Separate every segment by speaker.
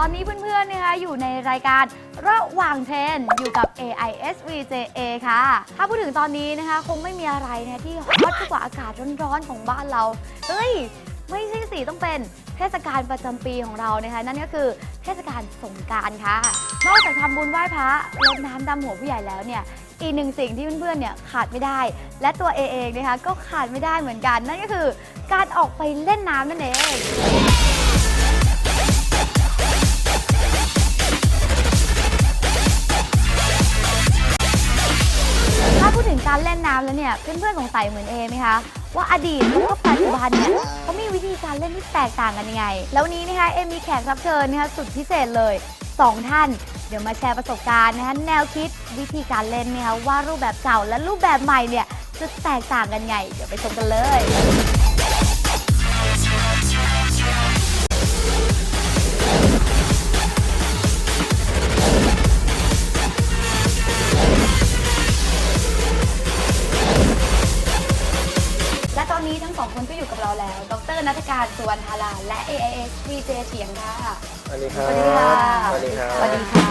Speaker 1: อนนี้เพื่อนๆนะคะอยู่ในรายการระหว่างเทรนอยู่กับ AISVJA ค่ะถ้าพูดถึงตอนนี้นะคะคงไม่มีอะไรนะที่ฮอตกว่าอากาศร้อนๆของบ้านเราเฮ้ยไม่ใช่สิต้องเป็นเทศกาลประจำปีของเรานะคะนั่นก็คือเทศกาลสงกรานต์ค่ะนอกจากทำบุญไหว้พระรดน้ำดำหัวผู้ใหญ่แล้วเนี่ยอีกหนึ่งสิ่งที่เพื่อนๆเนี่ยขาดไม่ได้และตัวเองนะคะก็ขาดไม่ได้เหมือนกันนั่นก็คือการออกไปเล่นน้ำนั่นเองถ้าพูดถึงการเล่นน้ำแล้วเนี่ยเพื่อนๆสงสัยเหมือนเอไหมคะว่าอดีตแล้วก็ปัจจุบันเนี่ยเขามีวิธีการเล่นที่แตกต่างกันยังไงแล้ววันนี้นะคะเอมีแขกรับเชิญนะคะสุดพิเศษเลย2 ท่านเดี๋ยวมาแชร์ประสบการณ์นะคะแนวคิดวิธีการเล่นนะคะว่ารูปแบบเก่าและรูปแบบใหม่เนี่ยจะแตกต่างกันไงเดี๋ยวไปชมกันเลยและตอนนี้ทั้งสองคนก็อยู่กับเราแล้วดร.ณัฐการ สุวรรณธาราและ AISVJ เฉียงค่ะ
Speaker 2: สวัสดีครับ
Speaker 1: สวัสดีค่ะ
Speaker 2: สวัสดีครับ
Speaker 1: สวัสดีค่ะ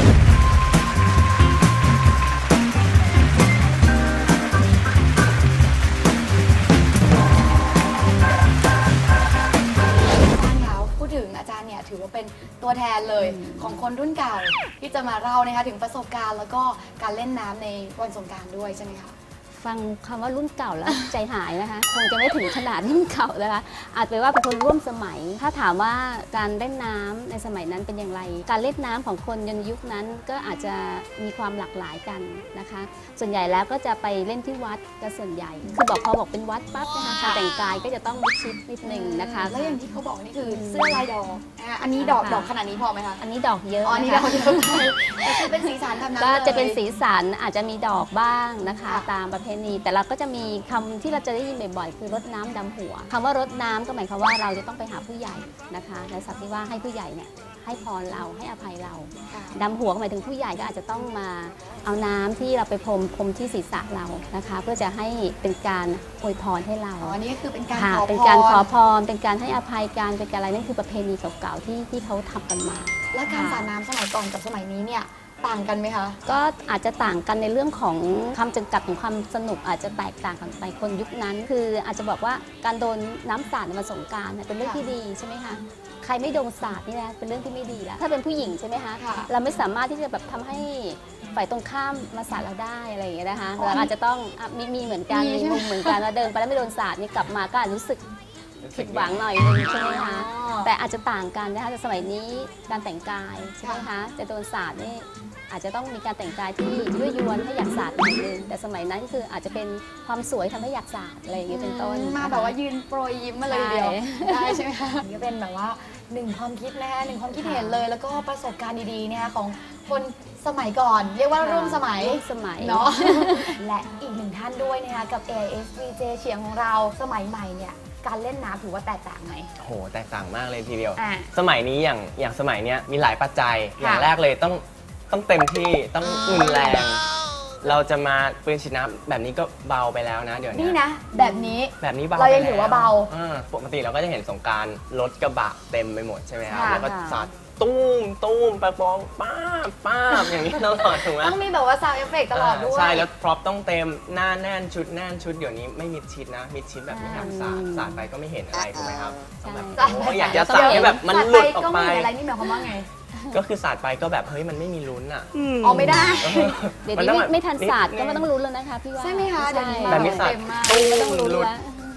Speaker 1: พูดถึงอาจารย์เนี่ยถือว่าเป็นตัวแทนเลยของคนรุ่นเก่าที่จะมาเล่านะคะถึงประสบการณ์แล้วก็การเล่นน้ำในวันสงกรานต์ด้วยใช่ไหมคะ
Speaker 3: ฟังคำว่ารุ่นเก่าแล้ว ใจหายนะคะคงจะไม่ถึงขนาดรุ่นเก่านะคะอาจเป็นว่าเป็นคนร่วมสมัยถ้าถามว่าการเล่นน้ำในสมัยนั้นเป็นอย่างไรการเล่นน้ำของคนในยุคนั้นก็อาจจะมีความหลากหลายกันนะคะส่วนใหญ่แล้วก็จะไปเล่นที่วัดกันส่วนใหญ่คือพอบอกเป็นวัดปั๊บนะคะการแต่งกายก็จะต้องมิดชิดนิดนึงนะคะ
Speaker 1: แล้วอย่างที่เขาบอกนี่คือเสื้อลายดอกอันนี้ดอกขนาดนี้พอไหมคะ
Speaker 3: อันนี้ดอกเยอะ
Speaker 1: อันนี้ดอกเยอะแต่คือเป็นสีสันทำนั้น
Speaker 3: ก็จะเป็นสีสันอาจจะมีดอกบ้างนะคะตามประเพณีแต่เราก็จะมีคำที่เราจะได้ยินบ่อยๆคือรดน้ำดำหัวคำว่ารดน้ำก็หมายความว่าเราจะต้องไปหาผู้ใหญ่นะคะในศัพท์ที่ว่าให้ผู้ใหญ่เนี่ยให้พรเราให้อภัยเราดำหัวหมายถึงผู้ใหญ่ก็อาจจะต้องมาเอาน้ำที่เราไปพรมที่ศีรษะเรานะคะเพื่อจะให้เป็นการอวยพรให้เรา
Speaker 1: อันนี้ก็คือเป็นการ
Speaker 3: ขอพรเป็นการขอพรเป็นการให้อภัยการเป็นการอะไรนั่นคือประเพณีเก่าๆที่เขาทำกันมา
Speaker 1: และการสาดน้ำสมัยก่อนกับสมัยนี้เนี่ยต่างกันไหมคะ
Speaker 3: ก็อาจจะต่างกันในเรื่องของคำจำกัดของความสนุกอาจจะแตกต่างกันไปคนยุคนั้นคืออาจจะบอกว่าการโดนน้ำสาดในวันสงกรานต์เป็นเรื่องที่ดีใช่ไหมคะใครไม่โดนสาดนี่นะเป็นเรื่องที่ไม่ดีแล้วถ้าเป็นผู้หญิงใช่ไหมคะเราไม่สามารถที่จะแบบทำให้ฝ่ายตรงข้ามมาสาดเราได้อะไรอย่างเงี้ยนะคะเราอาจจะต้องมีเหมือนกันมีมุมเหมือนกันว่าเดินไปแล้วไม่โดนสาดนี่กลับมาก็อาจรู้สึกผิดหวังหน่อยนึงใช่ไหมคะแต่อาจจะต่างกันนะคะแต่สมัยนี้การแต่งกายใช่ไหมคะจะโดนสาดนี่อาจจะต้องมีการแต่งกายที่ยั่วยวนให้อยากสาดหน่อยนึงแต่สมัยนั้นคืออาจจะเป็นความสวยทำให้อยากสาดอะไรอย่างเงี้ยเป็นต้น
Speaker 1: มาแบบว่ายืนโปรยยิ้มมาเลยเดียวได้ใช่ไหมคะนี่เป็นแบบว่า1 ความคิดนะคะ1 ความคิดเห็นเลยแล้วก็ประสบการณ์ดีๆนะคะของคนสมัยก่อนเรียกว่าร่วมสมัยเนาะและอีก1 ท่านด้วยนะคะกับ AISVJ เฉียงของเราสมัยใหม่เนี่ยการเล่นน้ำถือว่าแตกต่างไหม
Speaker 2: โหแตกต่างมากเลยทีเดียวสมัยนี้อย่างสมัยเนี้ยมีหลายปัจจัยอย่างแรกเลยต้องเต็มที่ต้องรุนแรงเราจะมาปืนฉีดน้ำแบบนี้ก็เบาไปแล้วนะเดี๋ยวนี้
Speaker 1: นี่นะแบบนี้
Speaker 2: เบา
Speaker 1: เรายังถือว่าเบา
Speaker 2: ปกติเราก็จะเห็นสงกรานต์รถกระบะเต็มไปหมดใช่ไหมครับแล้วก็สาดตุ้มปะปองป้าอย่างนี้ตลอดถูกไหม
Speaker 1: ต้องมีแบบว่าซาวด์เอฟเฟกต์ตลอดด้วย
Speaker 2: ใช่แล้วพร็อพต้องเต็มหน้าแน่นชุดเดี๋ยวนี้ไม่มิดชิดนะมิดชิดแบบไม่ทำสาดไปก็ไม่เห็นอะไรถูกไหมครับอยากจะสาดให้แบบมันหลุดออกไป
Speaker 1: อะไรนี่หมายความว่าไง
Speaker 2: ก็คือสาดไปก็แบบเฮ้ยมันไม่มีลุ้นอ่ะ
Speaker 1: อ๋อไม่ได้
Speaker 3: เดี๋ยวนี้ไม่ทันสาดก็ไม่ต้องลุ้นแล้วนะคะพี่ว่า
Speaker 1: ใช่ไหมคะเดี๋ยวนี้
Speaker 2: แบบนี้สาด
Speaker 3: ไม่ต้องลุ้นแล้ว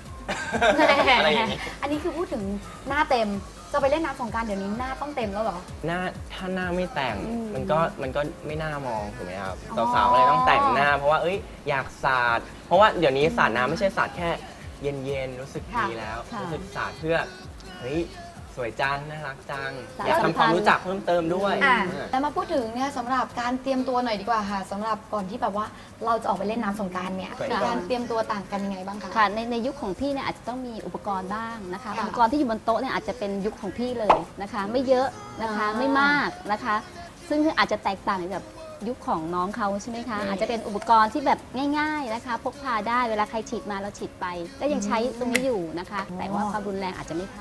Speaker 1: อันนี้คือพูดถึงหน้าเต็มจะไปเล่นน้ำสงกรานต์เดี๋ยวนี้หน้าต้องเต็มแล้วเหรอ
Speaker 2: หน้าถ้าหน้าไม่แต่งมันก็ไม่น่ามองถูกไหมครับสาวๆเลยต้องแต่งหน้าเพราะว่าอยากสาดเพราะว่าเดี๋ยวนี้สาดน้ำไม่ใช่สาดแค่เย็นๆรู้สึกดีแล้วรู้สึกสาดเพื่อเฮ้ยสวยจังน่ารักจังอยากทำความรู้จักเพิ่มเติมด้วย
Speaker 1: แล้วมาพูดถึงเนี่ยสำหรับการเตรียมตัวหน่อยดีกว่าค่ะสำหรับก่อนที่แบบว่าเราจะออกไปเล่นน้ำสงกรานต์เนี่ยมีการเตรียมตัวต่างกันยังไงบ้างคะ
Speaker 3: ค่ะในยุคของพี่เนี่ยอาจจะต้องมีอุปกรณ์บ้างนะคะอุปกรณ์ที่อยู่บนโต๊ะเนี่ยอาจจะเป็นยุคของพี่เลยนะคะไม่เยอะนะคะไม่มากนะคะซึ่งอาจจะแตกต่างจากยุคของน้องเขาใช่ไหมคะอาจจะเป็นอุปกรณ์ที่แบบง่ายๆนะคะพกพาได้เวลาใครฉีดมาเราฉีดไปก็ยังใช้ตรงนี้อยู่นะคะแต่ว่าความรุนแรงอาจจะไม่เท่า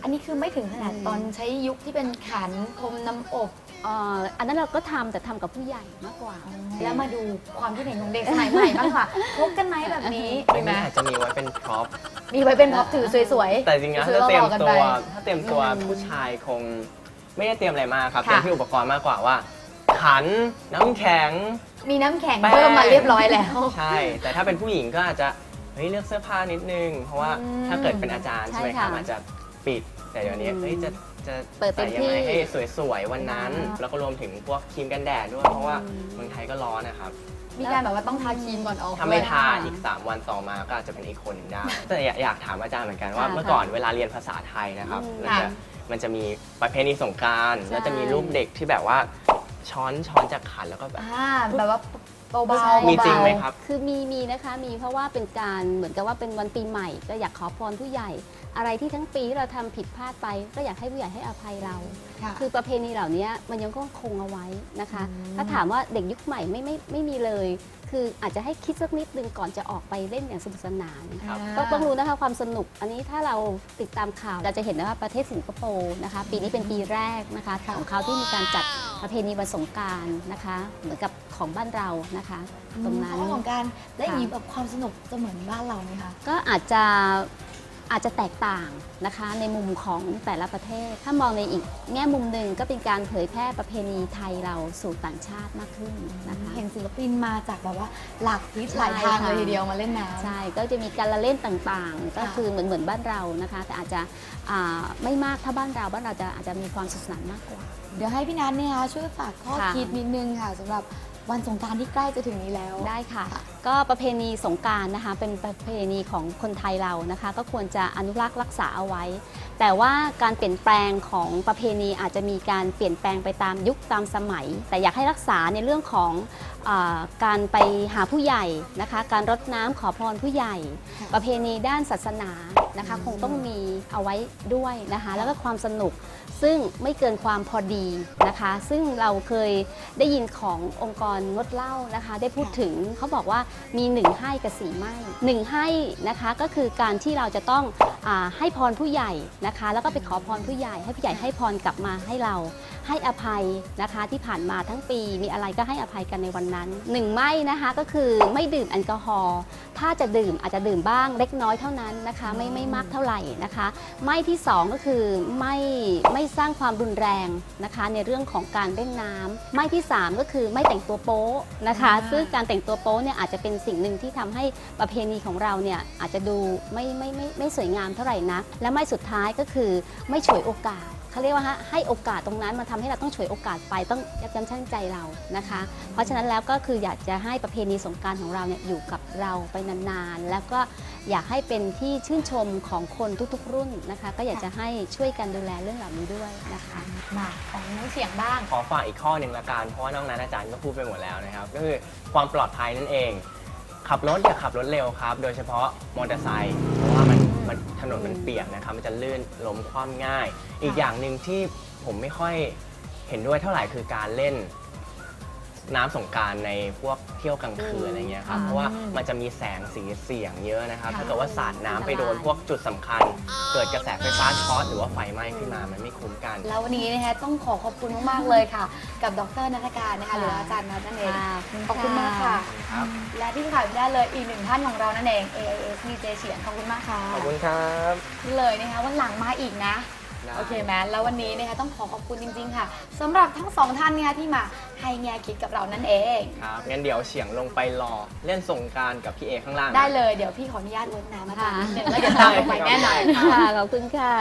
Speaker 1: อันนี้คือไม่ถึงขนาดตอนใช้ยุคที่เป็นขันพรมน้ำอบ
Speaker 3: อันนั้นเราก็ทำแต่ทำกับผู้ใหญ่มากกว่า
Speaker 1: แล้วมาดูความคิดเห็นของเด็กสมัยใหม่บ้างค่ะพกกันไหมแบบนี้
Speaker 2: อั
Speaker 1: มี
Speaker 2: น
Speaker 1: ไหม
Speaker 2: นี้อาจจะมีไว้เป็นพร็อพ
Speaker 1: มีไว้เป็นพ็อปถือสวยๆ
Speaker 2: แต่จริงๆแล้ว
Speaker 1: ซื้อ
Speaker 2: ถ้าเตรียม
Speaker 1: หล่อๆกัน
Speaker 2: ตั
Speaker 1: ไป
Speaker 2: วผู้ชายคงไม่ได้เตรียมอะไรมากครับ
Speaker 1: ค่ะ
Speaker 2: เตรียมที่อุปกรณ์มากกว่าว่า ขันน้ำแข็ง
Speaker 1: มีน้ำแข็ง
Speaker 2: แป้ง
Speaker 1: เพิ่มมาเรียบร้อยแล้ว
Speaker 2: ใช่ แต่ถ้าเป็นผู้หญิงก็อาจจะเฮ้ยเลือกเสื้อผ้านิดนึง เพราะว่า
Speaker 1: อืม
Speaker 2: ถ้าเกิดเป็นอาจารย์
Speaker 3: ใช่
Speaker 2: ใช่ไหมครับ
Speaker 3: ค่ะ
Speaker 2: อาจจะปิด แต่เดี๋ยวนี้
Speaker 3: อืม
Speaker 2: เฮ้ยจะ
Speaker 3: เปิดเต็
Speaker 2: ใส่
Speaker 3: ม
Speaker 2: ยัง
Speaker 3: ที่
Speaker 2: ไงให้สวยๆวันนั้น แล้วก็รวมถึงพวกครีมกันแดดด้วย เพราะว่าเมืองไทยก็ร้อนนะครับ
Speaker 1: มีการแบบว่าต้องทาครีมก่อนออก
Speaker 2: ถ้าไม่
Speaker 1: ด้วย
Speaker 2: ทาอีก 3 วันต่อมาก็อาจจะเป็นอีกคนหนึ่งได้ แต่อยากถามอาจารย์เหมือนกันว่า
Speaker 3: ค่ะ
Speaker 2: เมื่อก่อนเวลาเรียนภาษาไทยนะครับ
Speaker 3: อืม
Speaker 2: มันจะมีประเพณีสงกรานต์
Speaker 3: ใช่
Speaker 2: แล้วจะมีรูปเด็กที่แบบว่าช้อนจากขันแล้วก็แบบ
Speaker 1: แบบว่าเบา
Speaker 3: ใช่
Speaker 1: ๆ
Speaker 2: มีจริงไหมครับ
Speaker 3: คือมีนะคะมีเพราะว่าเป็นการเหมือนกับว่าเป็นวันปีใหม่ ก็อยากขอพรผู้ใหญ่ อะไรที่ทั้งปีที่เราทำผิดพลาดไป ก็อยากให้ผู้ใหญ่ให้อภัยเรา
Speaker 1: ค่ะ
Speaker 3: คือประเพณีเหล่านี้มันยังคงเอาไว้นะคะ
Speaker 1: อืม
Speaker 3: ถ้าถามว่าเด็กยุคใหม่ไม่มีเลย คืออาจจะให้คิดสักนิดนึงก่อนจะออกไปเล่นอย่างสนุกสนาน
Speaker 2: ครับ
Speaker 3: ก็ต้องรู้นะคะความสนุก อันนี้ถ้าเราติดตามข่าวเราจะเห็นว่าประเทศสิงคโปร์นะคะ ปีนี้เป็นปีแรกนะคะของเขาที่มีการจัดประเพณีวันสงกรานต์นะคะ เหมือนกับของบ้านเรานะคะ ตรงนั้น
Speaker 1: เพาะของการและอย่างนี้
Speaker 3: ค่ะ
Speaker 1: แบบความสนุกจะเหมือนบ้านเราไหมคะ
Speaker 3: ก็อาจจะแตกต่างนะคะในมุมของแต่ละประเทศ ถ้ามองในอีกแง่มุมหนึ่งก็เป็นการเผยแพร่ประเพณีไทยเราสู่ต่างชาติมากขึ้นนะคะ
Speaker 1: เห็นศิลปินมาจากแบบว่าหลากทิศ
Speaker 3: ใช่
Speaker 1: หลายทาง
Speaker 3: ค่ะ
Speaker 1: เลยทีเดียวมาเล่นน้ำ
Speaker 3: ใช่ ก็จะมีการละเล่นต่างๆ ก็
Speaker 1: ค่ะ
Speaker 3: คือเหมือนบ้านเรานะคะ แต่อาจจะไม่มากถ้าบ้านเราอาจจะมีความสนุกสนานมากกว่า
Speaker 1: เดี๋ยวให้พี่นัทเนี่ยช่วยฝากข้อ
Speaker 3: ค่ะ
Speaker 1: คิดนิดนึงค่ะสำหรับวันสงกรานต์ที่ใกล้จะถึงนี้แล้ว
Speaker 3: ได้ค่ะ ก็ประเพณีสงกรานต์นะคะ เป็นประเพณีของคนไทยเรานะคะ ก็ควรจะอนุรักษ์รักษาเอาไว้ แต่ว่าการเปลี่ยนแปลงของประเพณีอาจจะมีการเปลี่ยนแปลงไปตามยุคตามสมัย แต่อยากให้รักษาในเรื่องของการไปหาผู้ใหญ่นะคะ การรดน้ำขอพรผู้ใหญ่
Speaker 1: ค่ะ
Speaker 3: ประเพณีด้านศาสนานะคะ คงต้องมีเอาไว้ด้วยนะคะ แล้วก็ความสนุก ซึ่งไม่เกินความพอดีนะคะ ซึ่งเราเคยได้ยินขององค์กรงดเหล้านะคะ ได้พูดถึงเขาบอกว่ามี1ให้กับ4ไม่1ให้นะคะก็คือการที่เราจะต้องให้พรผู้ใหญ่นะคะ แล้วก็ไปขอพรผู้ใหญ่ ให้ผู้ใหญ่ให้พรกลับมาให้เรา ให้อภัยนะคะที่ผ่านมาทั้งปีมีอะไรก็ให้อภัยกันในวันนั้น1ไม่นะคะก็คือไม่ดื่มแอลกอฮอล์ถ้าจะดื่มอาจจะดื่มบ้างเล็กน้อยเท่านั้นนะคะไม่มากเท่าไหร่นะคะไม่ที่2ก็คือไม่สร้างความรุนแรงนะคะในเรื่องของการเล่นน้ำไม่ที่3ก็คือไม่แต่งตัวโป๊นะคะซึ่งการแต่งตัวโป๊เนี่ยอาจจะเป็นสิ่งหนึ่งที่ทำให้ประเพณีของเราเนี่ยอาจจะดูไม่สวยงามเท่าไหร่นักและไม่สุดท้ายก็คือไม่ฉวยโอกาส เขาเรียกว่าให้โอกาสตรงนั้นมาทำให้เราต้องฉวยโอกาสไปต้องยับยั้งชั่งใจเรานะคะ เพราะฉะนั้นแล้วก็คืออยากจะให้ประเพณีสงกรานต์ของเราเนี่ยอยู่กับเราไปนานๆ แล้วก็อยากให้เป็นที่ชื่นชมของคนทุกๆรุ่นนะคะ ก็อยากจะให้ช่วยกันดูแลเรื่องเหล่านี้ด้วยนะคะ
Speaker 1: มาของน้องเสียงบ้าง
Speaker 2: ขอฝากอีกข้อหนึ่งละกัน เพราะว่านอกนั้นอาจารย์ก็พูดไปหมดแล้วนะครับ ก็คือความปลอดภัยนั่นเอง ขับรถอย่าขับรถเร็วครับ โดยเฉพาะมอเตอร์ไซค์ เพราะว่ามันถนนมันเปียกนะครับ มันจะลื่นล้มคว่ำง่าย อีกอย่างหนึ่งที่ผมไม่ค่อยเห็นด้วยเท่าไหร่คือการเล่นน้ำสงกรานต์ในพวกเที่ยวกลางคืนอะไรเงี้ยครับ เพราะว่ามันจะมีแสงสีเสียงเยอะนะครับ ถ้าเกิดว่าสาดน้ำไปโดนพวกจุดสำคัญ เกิดกระแสไฟฟ้าช็อตหรือว่าไฟไหม้ขึ้นมา มันไม่คุ้มกัน
Speaker 1: แล้ววันนี้นะคะต้องขอบคุณมากๆเลยค่ะ กับดรนัฐการนะคะหรืออาจารย์นัทนั่นเอง ขอบคุณมากค่ะ
Speaker 2: ครับ
Speaker 1: และที่ขาดไม่ได้เลยอีกหนึ่งท่านของเรานั่นเอง AIS มีเจเฉียนขอบคุณมากค่ะ
Speaker 2: ขอบคุณครับ
Speaker 1: นี่เลยนะคะวันหลังมาอีกนะ
Speaker 2: ได้
Speaker 1: โอเคไหมแล้ววันนี้นะคะต้องขอบคุณจริงๆค่ะสำหรับทั้งสองท่านนะคะที่มาให้แง่คิดกับเรานั่นเอง
Speaker 2: ครับ งั้นเดี๋ยวเฉียงลงไปรอเล่นสงกรานต์กับพี่เอข้างล่างนะ
Speaker 1: ได้เลยเดี๋ยวพี่ขออนุญาตรดน้ำอาจารย์
Speaker 3: ค่ะ
Speaker 1: นิดนึงแล้วเดี๋ยวตามลงไปแน่นอน
Speaker 3: ค่ะ ขอบคุณค่ะ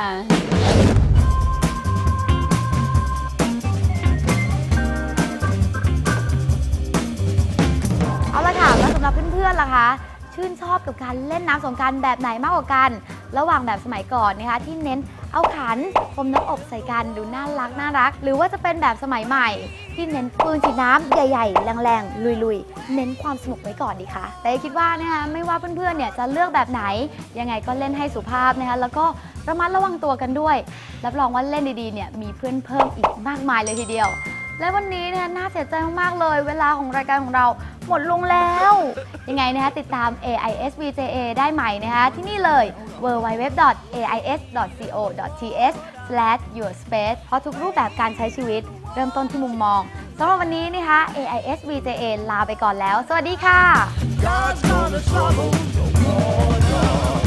Speaker 1: เอาละค่ะแล้วสำหรับเพื่อนๆล่ะคะชื่นชอบกับการเล่นน้ำสงกรานต์แบบไหนมากกว่ากัน ระหว่างแบบสมัยก่อนนะคะที่เน้นเอาขันพรมน้ำอบใส่กันดูน่ารักหรือว่าจะเป็นแบบสมัยใหม่ ที่เน้นปืนฉีดน้ำใหญ่ๆแรงๆลุยๆเน้นความสนุกไว้ก่อนดีค่ะแต่คิดว่านะคะไม่ว่าเพื่อนๆเนี่ยจะเลือกแบบไหนยังไงก็เล่นให้สุภาพนะคะแล้วก็ระมัดระวังตัวกันด้วยรับรองว่าเล่นดีๆเนี่ยมีเพื่อนเพิ่มอีกมากมายเลยทีเดียว และวันนี้เนี่ยน่าเสียใจมากๆเลย เวลาของรายการของเราหมดลงแล้ว ยังไงนะคะติดตาม AIS VJA ได้ใหม่นะคะที่นี่เลย www.ais.co.th/yourspace เพราะทุกรูปแบบการใช้ชีวิตเริ่มต้นที่มุมมองสำหรับวันนี้นะคะ AIS VJA ลาไปก่อนแล้ว สวัสดีค่ะ
Speaker 4: God's gonna trouble your water.